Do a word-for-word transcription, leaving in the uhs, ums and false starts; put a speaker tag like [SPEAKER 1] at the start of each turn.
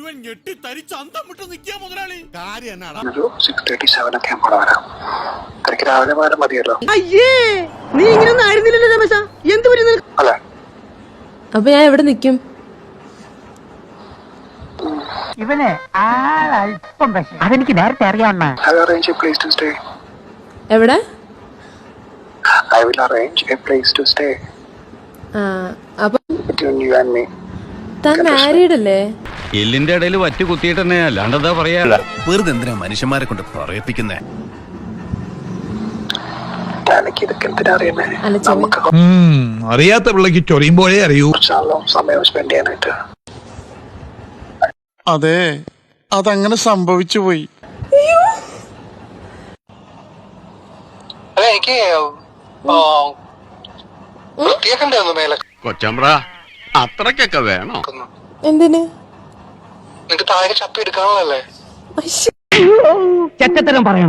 [SPEAKER 1] മുഴുവൻ ഞെട്ടി തരിച്ച് അന്തം വിട്ട് നിൽക്കുക മുതലാളി. കാര്യം
[SPEAKER 2] ഒരു സിക്സ് തേർട്ടി സെവൻ ഒക്കെ ആകുമ്പോൾ വരാം. എനിക്ക് രാവിലെ പോയാലും മതിയല്ലോ.
[SPEAKER 3] അയ്യേ നീ ഇങ്ങനൊന്നും ആയിരുന്നില്ലല്ലോ രമേശ. എന്ത് പറ്റി
[SPEAKER 2] അല്ലെ?
[SPEAKER 4] അപ്പൊ ഞാൻ എവിടെ നിക്കും?
[SPEAKER 3] ഇവനെ ആളല്പം പക്ഷേ അതെനിക്ക് നേരത്തെ അറിയാവുന്ന.
[SPEAKER 2] I will arrange a place to stay.
[SPEAKER 4] എവിടെ?
[SPEAKER 2] I will arrange a place to stay.
[SPEAKER 4] ആ അപ്പൊ
[SPEAKER 2] Between you and me.
[SPEAKER 4] താൻ മാരീഡ് അല്ലേ?
[SPEAKER 5] എല്ലിന്റെ ഇടയിൽ വറ്റ് കുത്തിയിട്ടെന്നെ അല്ലാണ്ടെന്താ പറയാ. വെറുതെ എന്തിനാ മനുഷ്യന്മാരെ കൊണ്ട് പറയിപ്പിക്കുന്നേ?
[SPEAKER 2] എനിക്ക് ഇതൊക്കെ എന്തിനാ അറിയുന്നേ?
[SPEAKER 4] അല്ല ചെവി
[SPEAKER 2] നമുക്ക്
[SPEAKER 6] അറിയാത്ത പിള്ളക്ക് ചൊറിയുമ്പോഴേ അറിയൂ.
[SPEAKER 2] കുറച്ചാണല്ലോ സമയം സ്പെൻഡ് ചെയ്യാനായിട്ട്.
[SPEAKER 7] അതെ, അതങ്ങനെ സംഭവിച്ചു പോയി.
[SPEAKER 2] അല്ല എനിക്ക് വൃത്തിയാക്കണ്ടായിരുന്നു മേലെ.
[SPEAKER 5] കൊച്ചമ്പ്ര അത്രക്കൊക്കെ വേണോ?
[SPEAKER 4] എന്തിന്?
[SPEAKER 2] നിനക്ക് താഴെ ചപ്പി എടുക്കാനുള്ളല്ലേ?
[SPEAKER 3] ചെറ്റത്തരം പറയണം.